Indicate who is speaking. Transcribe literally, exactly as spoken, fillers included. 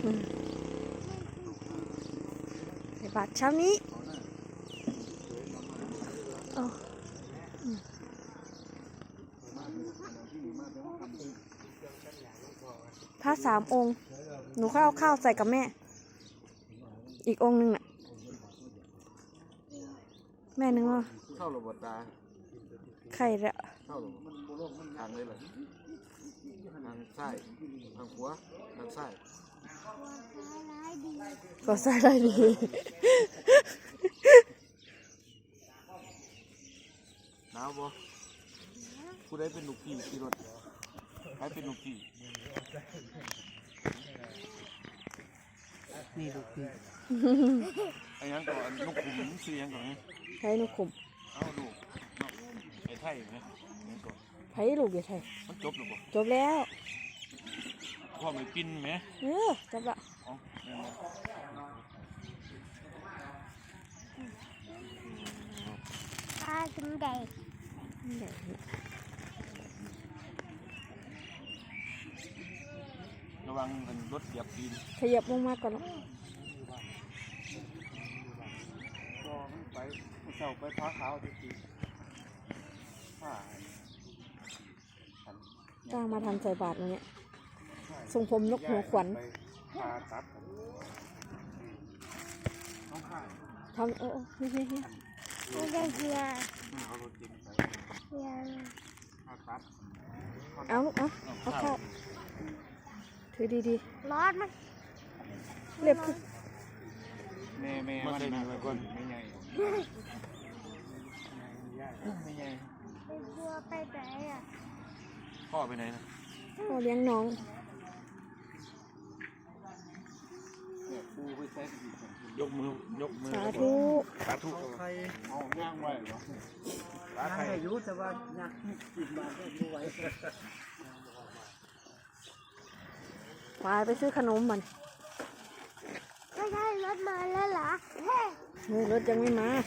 Speaker 1: ใส่บาตรเช้านี้พระสามองค์หนูค่อยเอาข้าวใส่กับแม่อีกองค์หนึ่งน่ะแม่นึกว่า
Speaker 2: เข้าระบบตา
Speaker 1: ไข่ละ
Speaker 2: เข้าระบบทางเลยเหรอทางซ้ายทางขวาทางซ้าย
Speaker 1: ก็ใส่ได้ดี
Speaker 2: หนาวบ่ผู้ใดเป็นลูกพี่ขี่รถใครเป็นลูกพี่นี่ลูกพี่ไอ้ยังก่อนลูกขุมซื้อยังก่อนไง
Speaker 1: ไผ่ลูกขุม
Speaker 2: เอาลูกไอ้ไทยไหมยังก่อน
Speaker 1: ไผ่ลูกอย่าไทย
Speaker 2: มันจบหรือเปล่า
Speaker 1: จบแล้ว
Speaker 2: พ่อไม่ปิ้นไหม
Speaker 1: เออจบละ
Speaker 3: ปลากินได้
Speaker 2: ระวังรถเหยียบตีน
Speaker 1: ขยับลงมาก่อนนะ
Speaker 2: ไปเสาไปพ้าขาวทีทีผ้า
Speaker 1: จ้างมาทำใส่บาตรอย่างเงี้ยทรงผมนกหัวขวัญทำโอ้เฮ้ยเฮ้ย
Speaker 3: ไม่ได้เฮียเฮีย
Speaker 1: เอาลูกเอาเอาเข้าถือดี
Speaker 3: ๆร้อนมั้ย
Speaker 1: เรียบคือ
Speaker 2: แม่แม่มาได้มาก่อนไม่ใหญ่ไม่ใหญ่
Speaker 3: เรือไปไหนอ่ะ
Speaker 2: พ่อไปไหนนะ
Speaker 1: พ่อเลี้ยงน้อง
Speaker 2: ยกมือยกมือ
Speaker 1: สาธุ
Speaker 2: สาธุใครเอาย่างไว้เหรอย่าง
Speaker 4: ให้รู้แต่ว่าย่างกินมาก็ไม่ไหว
Speaker 1: ไปไปซื้อขนมมัน
Speaker 3: ไม่ใช่รถมาแล้วเหรอเ
Speaker 1: ฮ้ยรถยังไม่มา